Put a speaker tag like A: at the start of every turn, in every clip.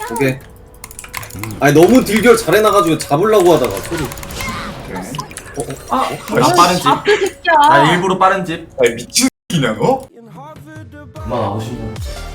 A: 오케이. 아니 너무 딜결 잘해놔가지고 잡으려고 하다가 소리.
B: 아 빠른 집.
C: 앞에 새끼야.
B: 나 일부러 빠른 집.
D: 아니 미친 X냐 너?
B: 엄마 나오신다.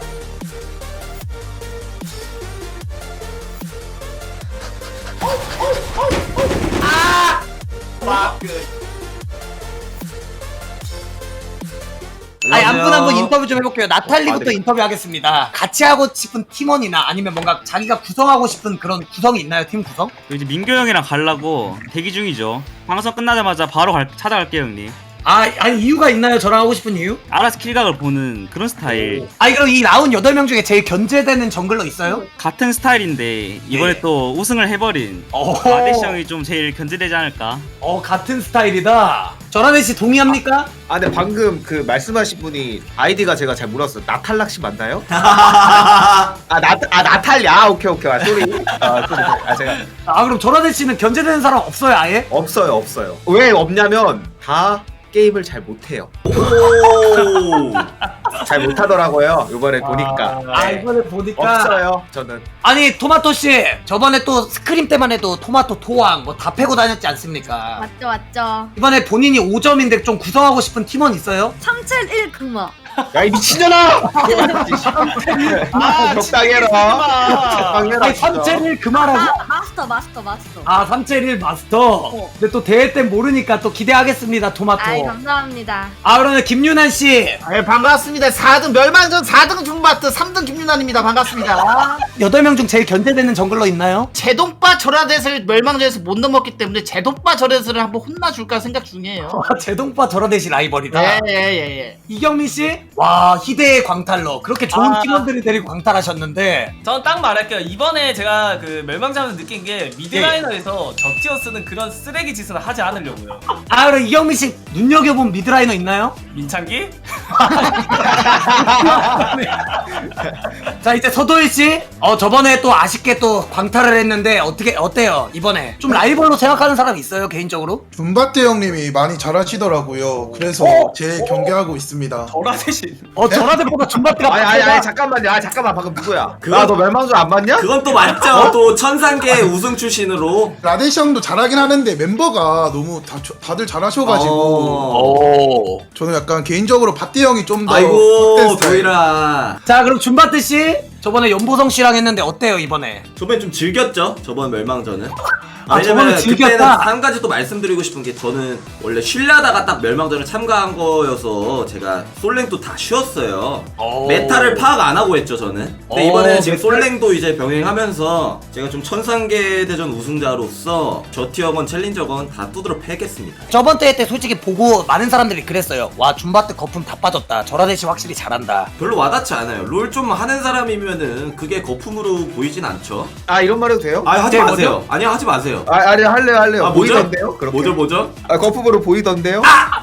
E: 아니 한 분 한 분 인터뷰 좀 해볼게요. 나탈리부터 인터뷰하겠습니다. 같이 하고 싶은 팀원이나 아니면 뭔가 자기가 구성하고 싶은 그런 구성이 있나요? 팀 구성?
F: 이제 민규 형이랑 가려고 대기 중이죠. 방송 끝나자마자 바로 찾아갈게요 형님.
E: 아니 이유가 있나요? 저랑 하고 싶은 이유?
F: 알아서 킬각을 보는 그런 스타일.
E: 아니 그럼 이 나온 8명 중에 제일 견제되는 정글러 있어요?
F: 같은 스타일인데 이번에
E: 네.
F: 또 우승을 해버린
E: 어허.
F: 아데시 형이 좀 제일 견제되지 않을까.
E: 같은 스타일이다. 전하늘 씨 동의합니까?
G: 아 근데 방금 그 말씀하신 분이 아이디가 제가 잘 몰랐어요. 나탈락 씨 맞나요? 나탈리. 오케이. 아 쏘리. 쏘리. 제가
E: 그럼 전하늘 씨는 견제되는 사람 없어요 아예?
G: 없어요. 왜 없냐면 다 게임을 잘 못해요. 잘 못하더라고요. 이번에 보니까.
E: 이번에 보니까
G: 없어요. 저는.
E: 아니 토마토 씨 저번에 또 스크림 때만 해도 토마토 토왕 뭐 다 패고 다녔지 않습니까?
C: 맞죠.
E: 이번에 본인이 5점인데 좀 구성하고 싶은 팀원 있어요?
C: 371 금화.
G: 야 이 미친년아! 적당히 해라. 적당히 해라.
E: 아니 371 그만하고?
C: 마스터.
E: 371 마스터. 근데 또 대회 때 모르니까 또 기대하겠습니다 토마토.
C: 아이 감사합니다.
E: 그러면 김윤환 씨
H: 반갑습니다. 4등 멸망전 4등 줌바트 3등 김윤환입니다. 반갑습니다.
E: 8명 중 제일 견제되는 정글러 있나요?
H: 제동빠 절하댓을 멸망전에서 못 넘었기 때문에 제동빠 절하댓을 한번 혼나줄까 생각 중이에요.
E: 제동빠 저러대시 라이벌이다.
H: 예.
E: 이경민 씨? 와 희대의 광탈러. 그렇게 좋은 팀원들을 데리고 광탈하셨는데
B: 저는 딱 말할게요. 이번에 제가 그 멸망자면서 느낀 게 미드라이너에서 저티어스는 그런 쓰레기 짓을 하지 않으려고요.
E: 그럼 이경민 씨 눈여겨본 미드라이너 있나요?
B: 민창기?
E: 자 이제 서도일 씨, 저번에 또 아쉽게 또 광탈을 했는데 어때요 이번에? 좀 라이벌로 생각하는 사람 있어요 개인적으로?
I: 줌바트 형님이 많이 잘하시더라고요. 그래서 제 경계하고 있습니다.
B: 저라대신.
E: 저라데보다 줌바트가
G: 아니 잠깐만요. 잠깐만 방금 누구야? 너 멸망전 안 봤냐?
A: 그건 또 맞죠. 또 천상계 우승 출신으로.
I: 라데시 형도 잘하긴 하는데 멤버가 너무 다들 잘하셔가지고
E: 오.
I: 저는 약간 개인적으로 바띠 형이 좀 더
A: 아이고 도일아.
E: 자 그럼 줌바트 씨 저번에 연보성 씨랑 했는데 어때요 이번에?
A: 저번에 좀 즐겼죠. 저번 멸망전은.
E: 저번에
A: 왜냐면
E: 즐겼다?
A: 그때는 한 가지 또 말씀드리고 싶은 게 저는 원래 쉬려다가 딱 멸망전을 참가한 거여서 제가 솔랭도 다 쉬었어요. 메타를 파악 안 하고 했죠 저는. 근데 이번에는 지금 솔랭도 이제 병행하면서 제가 좀 천상계 대전 우승자로서 저티어건 챌린저건 다 두드러 패겠습니다.
E: 저번 대회 때 솔직히 보고 많은 사람들이 그랬어요. 와 줌바트 거품 다 빠졌다. 저라데시 확실히 잘한다.
A: 별로 와닿지 않아요. 롤 좀 하는 사람이면은 그게 거품으로 보이진 않죠.
G: 이런 말 해도 돼요?
A: 하지
E: 네,
A: 마세요. 아니요 하지 마세요.
G: 아니 할래요.
A: 뭐죠?
G: 보이던데요? 그렇게?
A: 뭐죠?
G: 거품으로 보이던데요?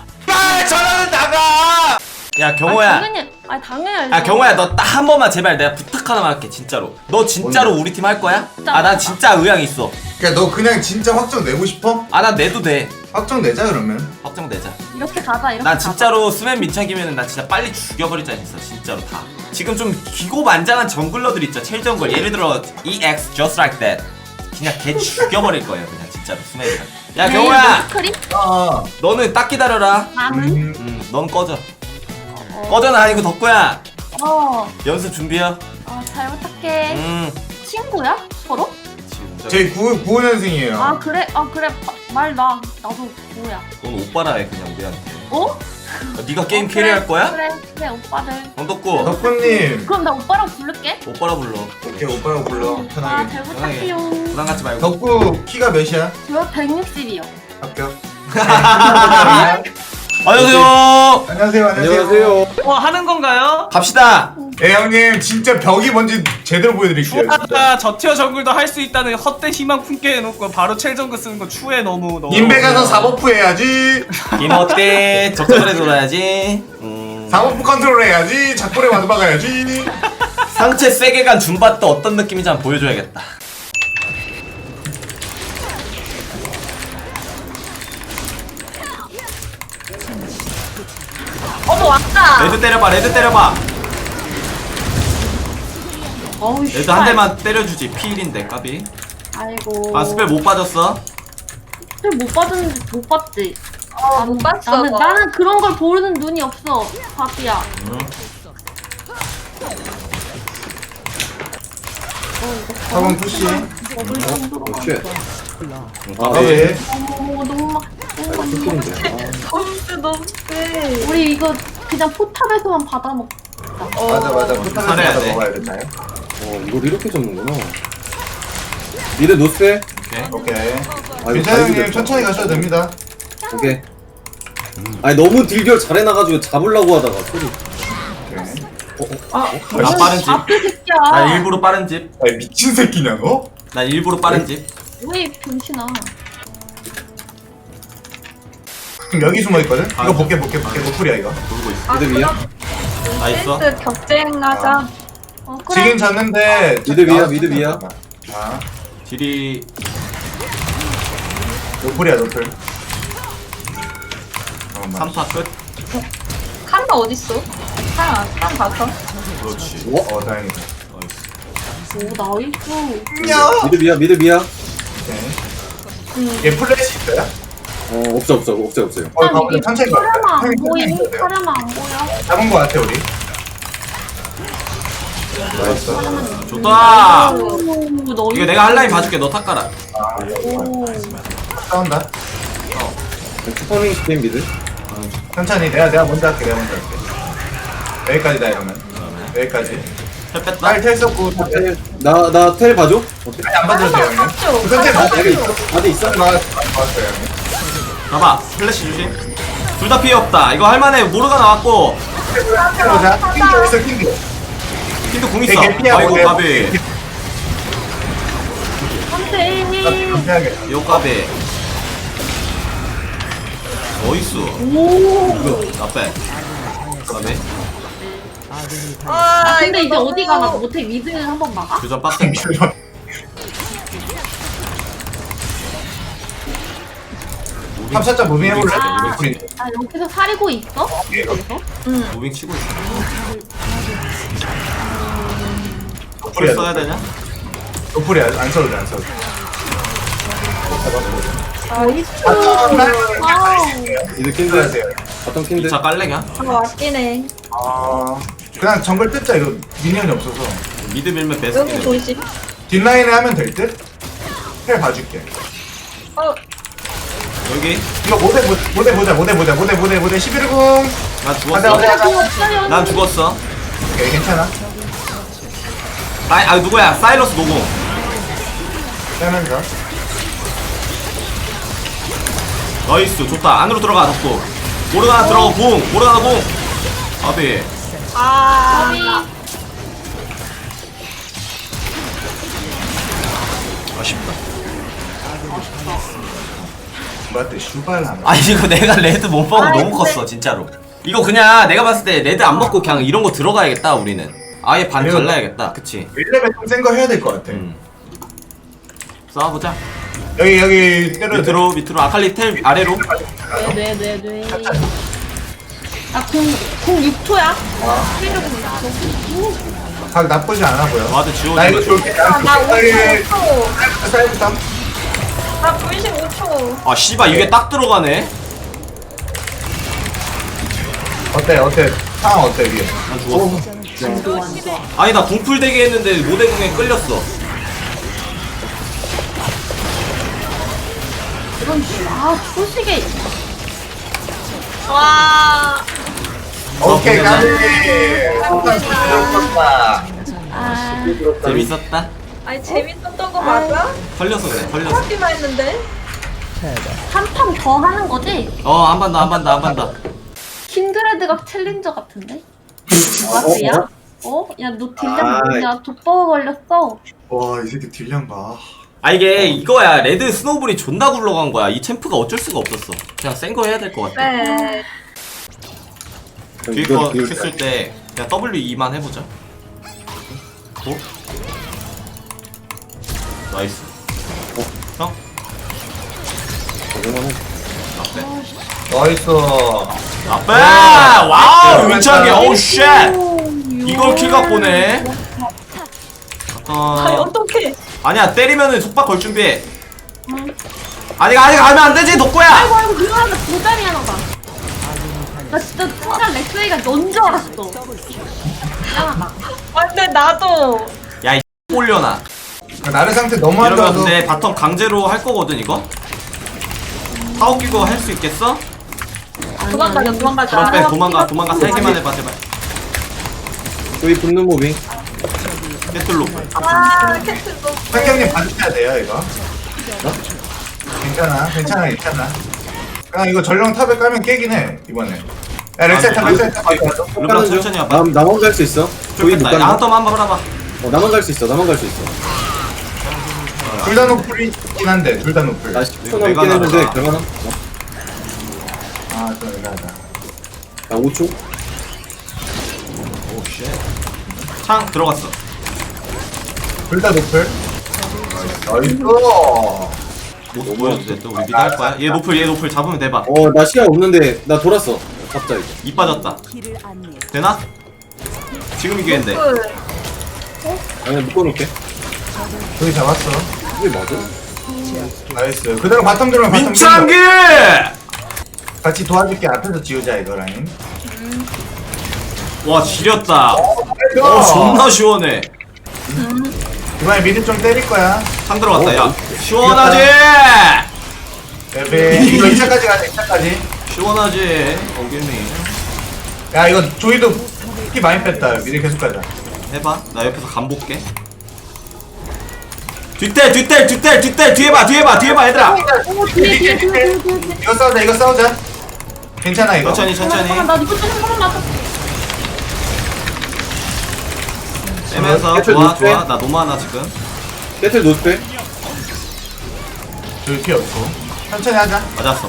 A: 저는 나가! 야 경호야.
C: 당연히.
A: 경호야 너 딱 한 번만 제발 내가 부탁 하나만 할게 진짜로. 너 진짜로 우리 팀 할 거야? 난 진짜 의향 있어.
D: 그니까 너 그냥 진짜 확정 내고 싶어?
A: 난 내도 돼.
D: 확정 내자 그러면.
A: 확정 내자.
C: 이렇게 가자.
A: 난 진짜로 스맨 민창이면은 나 진짜 빨리 죽여버리자 했어 진짜로 다. 지금 좀 기고만장한 정글러들 있죠. 첼 정글 예를 들어 EX just like that. 그냥 걔 죽여버릴 거예요 그냥 진짜로 스맨이랑. 야 경호야.
C: 크림?
A: 너는 딱 기다려라.
C: 나는?
A: 넌 꺼져. 꺼져는 아니고 덕구야. 연습 준비해.
C: 잘 부탁해. 친구야? 서로?
D: 저희 95년생이에요.
C: 그래? 말 나. 나도 뭐야?
A: 넌 오빠라 해 그냥 우리한테. 네가 게임
C: 그래,
A: 캐리할 거야?
C: 그래 오빠들.
A: 덕구.
D: 덕분님.
C: 그럼 나 오빠랑 부를게.
A: 오빠라 불러.
D: 오케이 오빠라고 불러. 편하게.
C: 잘 부탁해요.
A: 부담 갖지 말고.
D: 덕구 키가 몇이야?
C: 저 160이요.
D: 합격.
A: 안녕하세요.
D: 안녕하세요.
B: 하는 건가요?
A: 갑시다.
D: 형님 진짜 벽이 뭔지 제대로 보여드릴게요.
B: 추하다 저티어 정글도 할 수 있다는 헛된 희망 품게 해놓고 바로 첼 정글 쓰는 거 추해 너무.
D: 인베 가서 사버프 해야지.
A: 김 어때? 적절하게 돌아야지.
D: 사버프 컨트롤 해야지. 작골에 와도 박아야지.
A: 상체 세게 간 줌바트 어떤 느낌인지 한번 보여줘야겠다.
C: 왔다.
A: 레드 때려봐.
C: 어우
A: 레드
C: 씨발.
A: 한 대만 때려주지. 필인데 까비.
C: 아이고.
A: 아 스펠 못 빠졌어.
C: 스펠 못 받았는지 못 봤지.
J: 못 봤어.
C: 나는 그런 걸 보는 눈이 없어. 바비야.
D: 사번 푸시.
C: 먹을 정도로.
D: 까비.
C: 어머 너무 막.
J: 점수 너무 세.
C: 우리 이거 그냥 포탑에서만 받아 먹.
D: 맞아. 포탑에서
A: 살아야
D: 받아
A: 돼.
D: 먹어야 되나요?
K: 이걸 이렇게 잡는구나. 미드 노스펠.
D: 오케이.
K: 아이고,
D: 괜찮아요 형님
K: 다행이다.
D: 천천히 가셔도 됩니다.
K: 오케이. 아니 너무 딜결 잘해놔가지고 잡으려고 하다가 소리.
A: 나 빠른 집.
C: 앞에 새끼야.
A: 난 일부러 빠른 집.
D: 아 미친 새끼냐 너?
A: 난 일부러 빠른 집.
C: 왜 병신아?
D: 지금 여기 숨어 있거든. 이거 볼게 노플이야 이거.
A: 돌고 있어.
K: 미드 위야?
A: 나 있어.
J: 센스 경쟁하자.
C: 그래.
D: 지긴 졌는데.
K: 미드 위야, 미드 위야.
D: 아
A: 딜이
D: 노플이야 노플. 잠깐만.
A: 3파 끝.
J: 칸다 어딨어? 칸 봤어?
A: 그렇지.
D: 어 다행이다.
C: 오 나이스.
K: 미드 위야, 미드 위야.
D: 얘 플래시 있어요?
K: 없어요.
D: 가보자 천천히 가.
C: 사람아 안
D: 형님
C: 보임?
D: 천천히 가세요.
C: 사람아 안 보여?
D: 잡은 거 같아 우리.
A: 좋다.
C: 오 너희.
A: 이거 내가 한라인 봐줄게. 너 탁 가라.
C: 오.
D: 싸운다.
K: 쿠퍼밍 스페인 미드.
D: 천천히 내가 먼저 할게. 여기까지다 이러면. 여기까지.
A: 텔 뺐다.
D: 빨텔 썼고
K: 나 텔 봐줘. 어때?
D: 안 받아도 돼요 형님. 천천히 받아.
K: 다들 있어?
D: 맞았어요 형님.
A: 봐봐. 플래시 주심. 둘 다 피해 없다. 이거 할만해. 모르가 나왔고.
D: 보자. 킹도 있어 킹도.
A: 킨도 궁 있어.
D: 되게 피하고
A: 아이고
D: 돼.
A: 까비.
C: 안돼.
D: 감사하게.
A: 요 까비. 어이스.
C: 오.
A: 나빼. 까비.
J: 아,
C: 근데 이제
J: 너무-
C: 어디 가나 못해 미드 한번 막아?
A: 교전 빡센.
D: 탑샷자 무빙 해볼래?
C: 아, 아 여기서 사리고 있어? 여기서?
A: 무빙 치고 있어.
D: 노플이야.
A: 써야 되냐?
D: 노플이야. 안 써도 돼.
C: 나이스.
D: 와우.
K: 미드 킨드.
D: 하세요.
K: 바텀 킨드.
A: 2차 깔래냐?
J: 맞긴 해.
D: 그냥 정글 뜯자 이거 미니언이 없어서.
A: 미드 밀면
J: 여기
A: 베스트.
J: 조심.
D: 뒷라인에 하면 될 듯? 헬 봐줄게.
A: 여기.
D: 이거 모대 보자. 모대 11공.
A: 난
D: 가자
A: 죽었어.
D: 가자.
A: 난 죽었어.
D: 오케이 괜찮아.
A: 누구야? 사이러스 노공.
D: 빼면서.
A: 나이스 좋다. 안으로 들어가 덕구. 모르가나 들어가 공. 모르가나 공. 아비. 아쉽다.
D: 뭐한테 슈발 하나.
A: 아 이거 내가 레드 못 먹어 너무 컸어 진짜로. 이거 그냥 내가 봤을 때 레드 안 먹고 그냥 이런 거 들어가야겠다 우리는. 아예 반
D: 그래요?
A: 잘라야겠다. 그치?
D: 1레벨 좀 센 거 해야 될 것 같아.
A: 싸워보자.
D: 여기 때려도 돼.
A: 밑으로 아칼리 텔 아래로.
C: 네네네. 아공 6초야?
D: 각 나쁘지 않아 보여.
A: 와드
D: 나 이거
A: 지워주면
D: 줄게.
J: 나 55초.
D: 사이부터.
J: 나 95초.
A: 아 씨발 이게 딱 들어가네.
D: 어때? 상황 어때 위에?
A: 난 죽었어. 아니 나 궁풀 대기 했는데 모대궁에 끌렸어.
C: 이건 초식에
J: 와.
D: 오케이
A: 어,
D: 가비.
C: 아
A: 재밌었다.
J: 아니 재밌었던 거 맞아?
A: 털려서 그래. 털려서.
J: 하기만 했는데.
C: 한 판 더 하는 거지?
A: 한 번 더.
C: 킨드레드가 챌린저 같은데? 뭐야? 야 너 딜량 뭐냐? 돋보가 걸렸어.
D: 와 이 새끼 딜량 봐.
A: 아 이게 이거야. 레드 스노우볼이 존나 굴러간 거야. 이 챔프가 어쩔 수가 없었어. 그냥 센 거 해야 될 것 같아.
J: 네.
A: 뒤에 거 했을 때 그냥 W2만 해보자. 고? 나이스. 형?
D: 나이스.
A: 나빼! 와우! 윤창이 어우 쉣! 이걸 킬각 보네.
J: 아니 어떡해.
A: 아니야 때리면은 속박 걸 준비해. 아직 가면 안 되지 덕구야.
C: 아이고 그거 하나 도다리 하나 봐. 나 진짜 순간 렉스이가 넌 줄 알았어. 미안하다.
J: 아 근데 나도.
A: 야이 올려놔.
D: 나를 상태 너무
A: 이러면
D: 한다고.
A: 근데 바텀 강제로 할 거거든 이거. 타워 끼고 할 수 있겠어?
J: 도망가자 도망가자.
A: 그럼 빼 도망가 살기만 해봐 제발.
K: 저기 붙는 모빙.
A: 깨뚫로.
J: 아 캡슐도.
D: 상경님 봐주셔야 돼요 이거. 괜찮아. 그냥 이거 전령 탑에 깔면 깨긴 해 이번에. 야 렉사이트 렉사이트.
A: 르브랑 천천히 와봐.
K: 나만 갈 수 있어. 저기 못
A: 야
K: 간다.
A: 한턴 한번 해봐.
K: 나만 갈 수 있어.
D: 둘 다 노플이긴 한데 둘 다 노플.
K: 나 10초
A: 내가
K: 남긴 했는데
A: 나가자.
K: 그러면
D: 좀 애매하다.
K: 나 5초.
A: 오쉣. 창 들어갔어.
D: 둘 다 노플. 나이스.
A: 못 보여도 돼. 또 우리 미드 할 거야. 얘 노플 잡으면 대박.
K: 나 시야 없는데 나 돌았어. 잡자 이거.
A: 이 빠졌다. 되나? 지금 이기겠는데.
K: 아니 묶어놓을게.
D: 둘이 잡았어.
K: 이게 맞아?
D: 나이스. 그대로 바텀 들면 바텀
A: 민창기!
D: 같이 도와줄게. 앞에서 지우자 이거 라인.
A: 와 지렸다.
D: 어,
A: 존나 시원해.
D: 이번에 미드 좀 때릴 거야.
A: 창 들어갔다. 야 시원하지.
D: 베베. 이거 2차까지 가자. 2차까지.
A: 시원하지. 어길미.
D: 야 이거 조이도 피 많이 뺐다. 미드 계속 가자.
A: 해봐. 나 옆에서 간 볼게. 뒷텔 뒤에 봐 얘들아.
C: 뒤에.
D: 이거 싸우자. 괜찮아 이거.
A: 천천히.
C: 잠깐만 나 이거 좀 한번 놔둬.
A: 빼면서
K: 깨틀
A: 좋아.
K: 노스페?
A: 나 너무 하나 지금.
K: 깨틀 노스페.
D: 조이 피 없고. 천천히 하자.
A: 맞았어.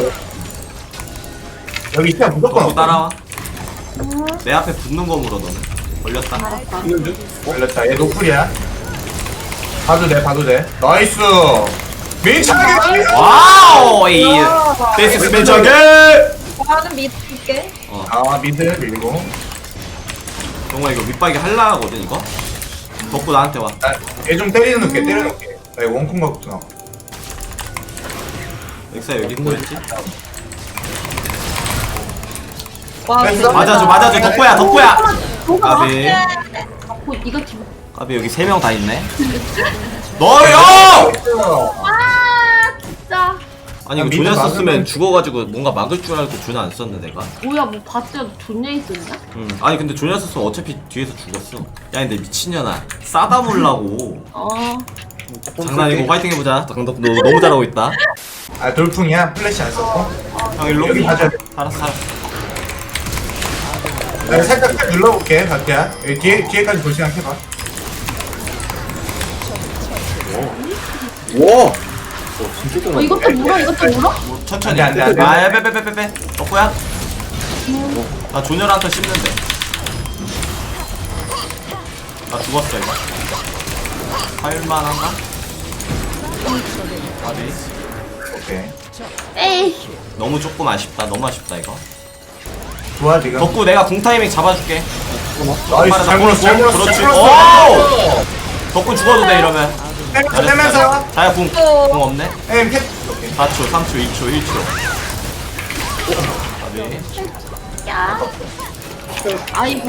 D: 여기 피 무조건
A: 덕구
D: 없고.
A: 따라와. 내 앞에 붙는 거 물어 너는. 걸렸다.
K: 이건 좀.
D: 걸렸다. 얘 노플이야. 봐도 돼. 나이스. 민창이.
A: 와우. 이 데이스 맨창기.
J: 나는 믿을게.
D: 아 미드 밀고.
A: 정말 이거 밑바기 할라 하거든 이거. 덕구 나한테 와.
D: 얘 좀 때려놓게. 나 이거 원콤 같구나.
A: 엑사 여기 뭐였지?
J: 와
D: 됐어?
A: 맞아줘. 덕구야. 까비.
C: 이거 지금.
A: 까비 여기 3명 다 있네. 너요!
C: 아 진짜.
A: 아니 이거
D: 미드
A: 조냐
D: 막으면-
A: 썼으면 죽어가지고 뭔가 막을 줄 알고 조냐 안 썼네 내가.
C: 뭐야 뭐 봤어요 존나 있었냐?
A: 아니 근데 조냐 썼으면 어차피 뒤에서 죽었어. 야 근데 미친년아 싸다 몰라고. 장난이고 화이팅 해보자. 너 너무 잘하고 있다.
D: 아 돌풍이야. 플래시 안 썼고.
A: 형 일로.
D: 여기 봐줘야 돼.
A: 알았어.
D: 나 살짝 눌러볼게. 박태야. 여기 뒤에까지 볼 생각 해봐.
K: 와. 진짜 잘
C: 이것도 물어.
A: 천천히.
D: 안 돼.
A: 아 빼. 덕구야. 나 조냐한테 씹는데. 나 죽었어 이거. 할만한가? 까비.
D: 오케이.
C: 에이.
A: 너무 조금 아쉽다. 너무 아쉽다 이거.
D: 좋아 지금.
A: 덕구 내가 궁 타이밍 잡아줄게.
D: 나이스. 잘 물었어.
A: 그렇지. 오! 덕구 죽어도 돼 이러면.
D: 빼면서.
A: 자야 궁 없네.
D: 에이 캡. 오케이.
A: 4초, 3초, 2초, 1초. 까비.
C: 야. 아이고.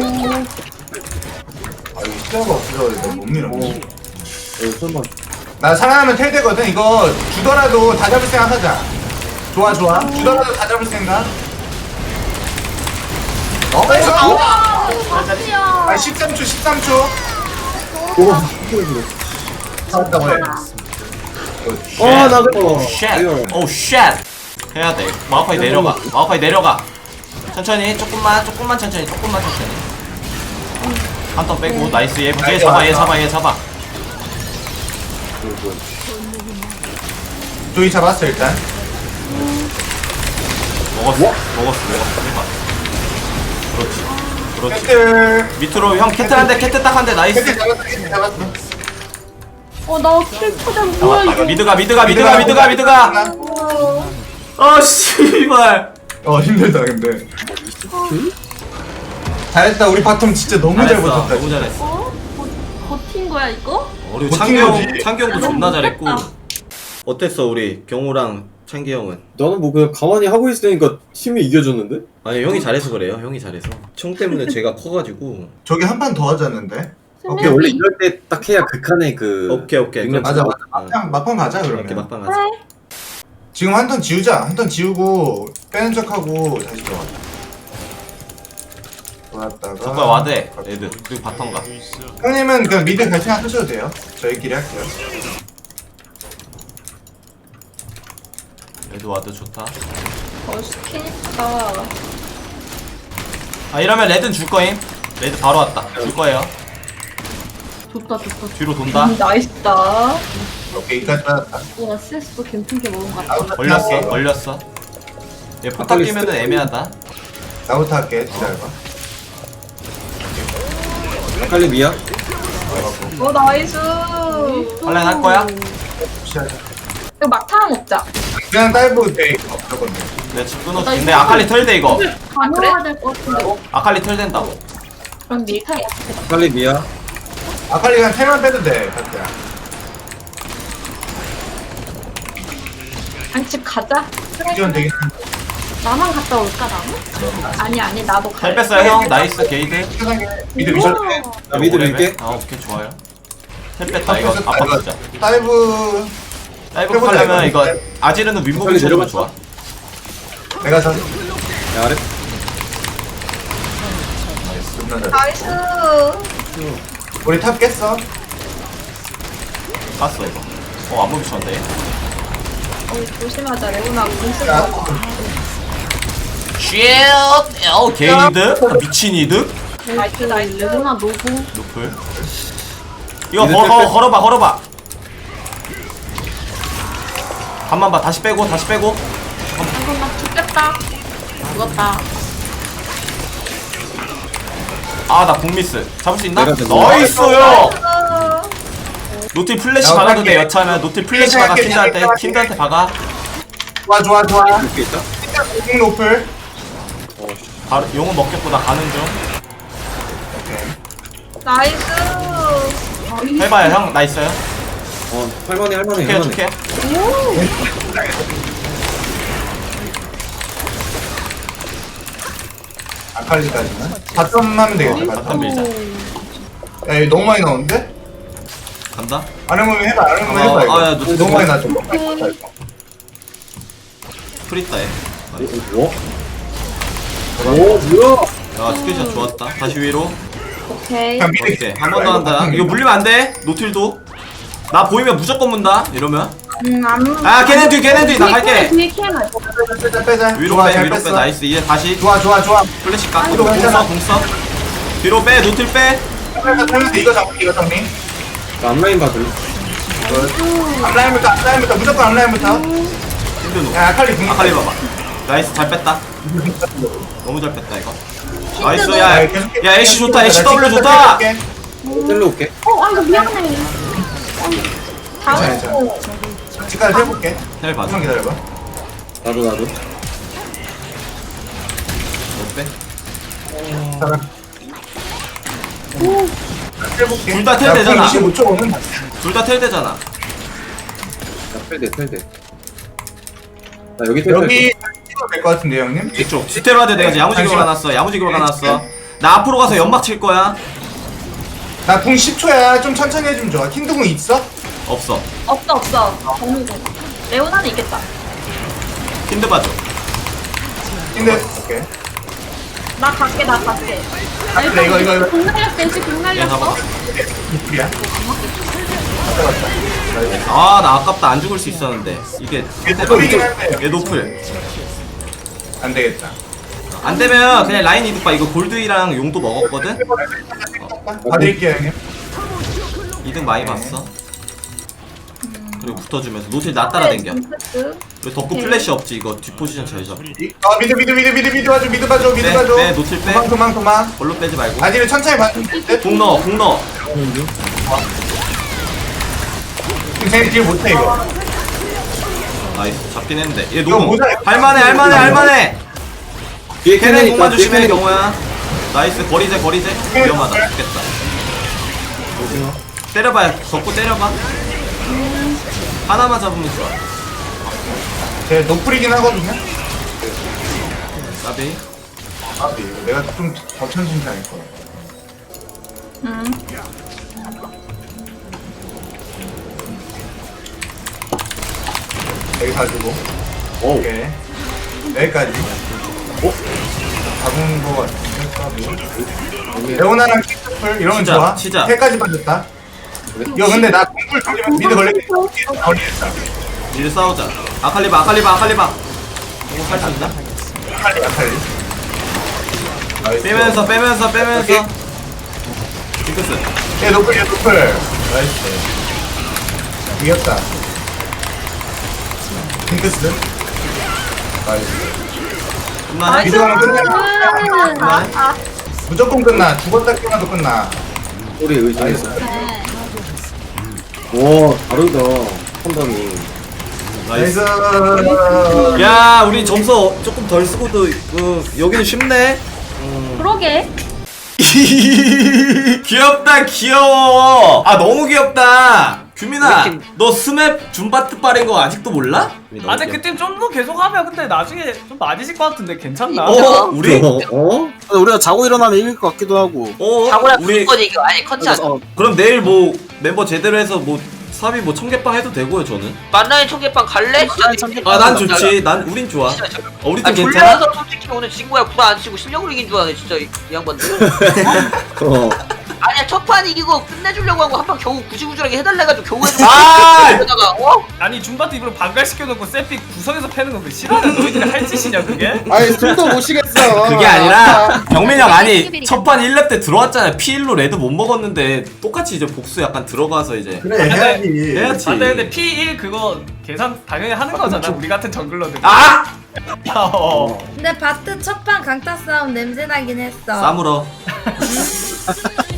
D: 아 이거 시야가 없어서 이거 못 밀어.
K: 설마.
D: 나 살아나면 텔 되거든. 이거 주더라도 다 잡을 생각 하자. 좋아. 주더라도 다 잡을 생각. 나이스.
C: 맞지요.
D: 13초. 잡았다고 해.
K: 나 그거.
A: 쉣. 오 쉣. 해야 돼. 마우파이 내려가. 천천히. 조금만 천천히. 한 턴 빼고 나이스. 얘 잡아.
D: 조이 잡았어 일단.
A: 먹었어. 해봐. 그렇지.
D: 캐틀.
A: 밑으로 형 캐트 딱 한 대 나이스.
D: 캐틀 잡았어.
C: 나 킬초전 뭐야
A: 잡았다.
C: 이거.
A: 미드가. 아 씨발.
D: 힘들다 근데. 잘했다. 우리 바텀 진짜 너무 잘 버텼다.
A: 너무 잘했어.
C: 버틴 거야 이거?
A: 그리고
D: 못
A: 창규
D: 튕겨지.
A: 형도 존나 잘했고.
C: 못했다.
A: 어땠어 우리 경호랑 창기 형은?
K: 나는 뭐 그냥 가만히 하고 있으니까 팀이 이겨줬는데?
A: 아니 형이 잘해서 그래요. 형이 잘해서. 청 때문에 제가 커가지고.
D: 저기 한 판 더 하자는데.
K: 근데 원래 이럴 때 딱 해야 극한의 그
A: 오케이.
K: 능력
D: 맞아
K: 차이.
D: 맞아. 막판 가자
A: 이렇게
D: 그러면.
A: 막방 하자.
D: 지금 한 턴 지우자. 한 턴 지우고 빼는 척하고 다시 들어가자. 돌았다가.
A: 잠깐 와대 애들 그리고 바텀 가.
D: 형님은 그냥 미드 갈 생각 하셔도 돼요. 저희끼리 할게요.
A: 애들 와드 좋다.
J: 멋있겠다.
A: 아 이러면 레드는 줄 거임. 레드 바로 왔다. 줄 거예요.
C: 좋다.
A: 뒤로 돈다.
J: 나이스다.
D: 오케이 이까지 받았다.
C: 나 CS도 괜찮게 먹은 것 같아.
A: 걸렸어. 얘 포탑 끼면은 애매하다.
D: 나부터 할게. 기다려봐.
K: 아칼리 미야?
J: 나이스.
A: 할래 할 거야?
D: 시작하자.
J: 이거 막타 먹자.
D: 그냥 다이브 돼 이거 무조건 돼.
A: 내가 집 끊어줄게. 근데 아칼리 털대 이거.
C: 가능해야 될 것 같은데.
A: 아칼리 털된다고.
J: 그럼 밀타.
K: 아칼리 미야?
D: 아칼리 그냥 텔만 빼도 돼. 같야.
J: 아니 집 가자.
D: 이건 되긴
C: 나만 갔다 올까 나는?
J: 아니 나도
A: 잘
J: 갈래.
A: 뺐어요 형. 나이스 게이드.
D: 편하게 미드 미션 돼.
K: 나 미드 밀게.
A: 아 오케이 좋아요. 텔 뺐다 이거 아빠 진짜.
D: 다이브
A: 다이브
D: 해보자,
A: 하려면
D: 이거.
A: 이거 아지르는 윗몸이
K: 빨리
A: 쳐주면
K: 내려갔어.
A: 좋아.
D: 내가 전
K: 야 아래.
J: 나이스.
D: 우리 탑 깼어.
A: 깠어 이거. 안몸이 쳤네.
J: 조심하자. 레오나 공수.
D: 야,
A: 쉣! 게이드? 미친 이득?
J: 나이스 나이스.
C: 레오나 노고.
A: 노플. 이거 걸어봐. 간만 봐. 다시 빼고.
C: 이거 나 죽겠다. 죽었다.
A: 아, 나 공미스. 잡을 수 있나?
K: 내가 됐네.
A: 나이스요! 노틸 플래시
D: 나
A: 박아도 돼,
D: 할게.
A: 여차하면. 노틸 플래시 박아,
D: 할게,
A: 킨드한테.
D: 할게.
A: 킨드한테 박아.
D: 좋아.
K: 이렇게 있다?
D: 공 노플.
A: 바로 용은 먹겠고, 나 가는 중.
J: 나이스.
A: 해봐요, 형. 나 있어요.
K: 할만해.
A: 축해.
D: 아칼리까지는. 바텀 하면 되겠다.
A: 바텀 밀자.
D: 야, 이거 너무 많이 나오는데?
A: 간다?
D: 아르몬 해봐 이거.
A: 야, 너
D: 너무 많이 나죠.
A: 프리따 해.
K: 뭐? 오 뭐야?
A: 야, 스크린샷 좋았다. 다시 위로.
J: 오케이.
D: 그냥 미드
A: 오케이. 한 번 더 한다. 이거 물리면 안 돼. 노틸도. 나 보이면 무조건 문다. 이러면.
J: 안.
A: 아, 걔네 뒤. 나 갈게.
C: 뒤에 캠을.
D: 빼자.
A: 위로
D: 좋아,
A: 빼,
D: 잘
A: 위로 빼.
D: 뺐어.
A: 나이스. 이제 다시
D: 좋아.
A: 플래시 깎고
D: 아이고, 괜찮아.
A: 공 써. 뒤로 빼. 노틸 빼.
D: 이거 정리.
K: 나 앞라인 봐줄래?
D: 앞라인부터 무조건 앞라인부터.
A: 힘든
D: 야 아칼리 공.
A: 아칼리 봐봐. 나이스. 잘 뺐다. 너무 잘 뺐다 이거. 나이스. 야 애쉬 좋다. 애쉬 W 좋다.
K: 셀로 올게.
C: 이거 미안해.
J: 다음.
D: 지금까지 해볼게.
A: 잘 봐줘.
D: 조금만 기다려봐.
K: 나도.
A: 너 빼.
D: 해볼게.
A: 둘다텔 되잖아.
D: 25초 오면
A: 둘 다 텔 되잖아.
K: 야 텔대. 나 여기 텔.
D: 여기 찍어도 될 것 같은데 형님?
A: 이쪽. 스테로이드 내가 지금 야무지게 박아놨어. 야무지게 박아놨어. 나 앞으로 가서 연막 칠 거야.
D: 나 궁 10초야. 좀 천천히 해주면 좋아. 킨드 궁 있어?
A: 없어.
J: 없어. 정리돼. 레오나는 있겠다.
A: 힌드 봐줘.
D: 킨드. 오케이.
J: 나 갈게.
D: 아, 근데 이거.
C: 공 날렸어. 일찍 공
A: 얘
C: 날렸어.
A: 잡아.
D: 이플이야.
A: 아, 나 아깝다. 안 죽을 수 있었는데. 이게
D: 노플이긴 한데.
A: 얘 노플.
D: 안 되겠다.
A: 안 되면 그냥 라인 이득 봐. 이거 골드이랑 용도 먹었거든.
D: 봐드릴게요 형님.
A: 이득 많이 봤어. 그리고 붙어주면서 노틸 나 따라댕겨. 그리고 덕구 플래시 없지. 이거 뒷 포지션 잘 잡.
D: 미드 봐줘. 미드 봐줘.
A: 빼, 노틸 빼.
D: 그만.
A: 볼로 빼지 말고.
D: 아디를 천천히 봐줘.
A: 공 넣어.
D: 쟤 딜 못해 이거.
A: 나이스. 잡긴 했는데. 얘
D: 이거
A: 노공.
D: 모자-
A: 할만해.
K: 뒤에
A: 걔네
K: 캐넨
A: 공만
K: 있다.
A: 조심해 경호야. 나이스. 거리제. 위험하다. 죽겠다. 때려봐. 덮고 때려봐. 하나만 잡으면 좋아.
D: 제 노플이긴 하거든요.
A: 나비.
D: 아, 내가 좀 더 천진당할 거야. 여기 가지고. 오케이. 여기까지. 잡은 거 같은데. 레오나랑 키스풀 이러면
A: 치자,
D: 좋아.
A: 치자.
D: 세까지 빠졌다. 이거 근데 나 공풀 돌리면 미드 걸리겠다. 걸리겠다.
A: 미드 싸우자. 아칼리바. 이거 할수 있나?
D: 아칼리. 나이스.
A: 빼면서. 징크스.
D: 얘 노플. 나이스. 이겼다. 핑크스. 나이스.
A: 그만해.
D: 미드 가면 끝나.
C: 아,
D: 무조건 끝나. 죽었다 깨어나도 끝나.
K: 소리 의심했어.
C: 네.
K: 와 다르다 판단이.
A: 나이스.
D: 나이스.
A: 야, 우리 점수 조금 덜 쓰고도 여기는 쉽네.
C: 그러게.
A: 귀엽다, 귀여워. 아, 너무 귀엽다. 규민아, 너 스맵 줌바트 빠른 거 아직도 몰라?
B: 아 근데 그때 좀 더 계속 하면 근데 나중에 좀 많이 질 것 같은데 괜찮나?
A: 우리?
K: 우리가 자고 일어나면 이길 것 같기도 하고.
A: 우리
H: 이거 아니 컨셉.
A: 그럼 내일 뭐 멤버 제대로 해서 뭐 사비 뭐 청계빵 해도 되고요, 저는.
H: 만나인 청계빵 갈래?
A: 아, 난 좋지. 우린 좋아. 우리 팀 괜찮아?
H: 졸려서 솔직히 오늘 진 거야. 구라 안 치고 실력으로 이긴 줄 아네 진짜 이 양반들. 아니야 첫 판 이기고 끝내주려고 하고 한 판 겨우 구질구질하게 해달래가지고 겨우 해주고
A: 아!
H: 그러다가
B: 아니 줌바트 입으로 반갈시켜놓고 세픽 구석에서 패는 건 왜 싫어하는 너희들이 할 짓이냐 그게?
I: 아니 숨도 못 쉬겠어.
A: 그게 아니라 경민이 형 아니 첫판 1렙 때 들어왔잖아요. P1로 레드 못 먹었는데 똑같이 이제 복수 약간 들어가서 이제
D: 그래 해야지.
A: 해야지.
B: 아 근데 P1 그거 계산 당연히 하는 거잖아 우리 같은 정글러들.
A: 아!
J: 근데 바트 첫판 강타 싸움 냄새 나긴 했어.
A: 싸물어.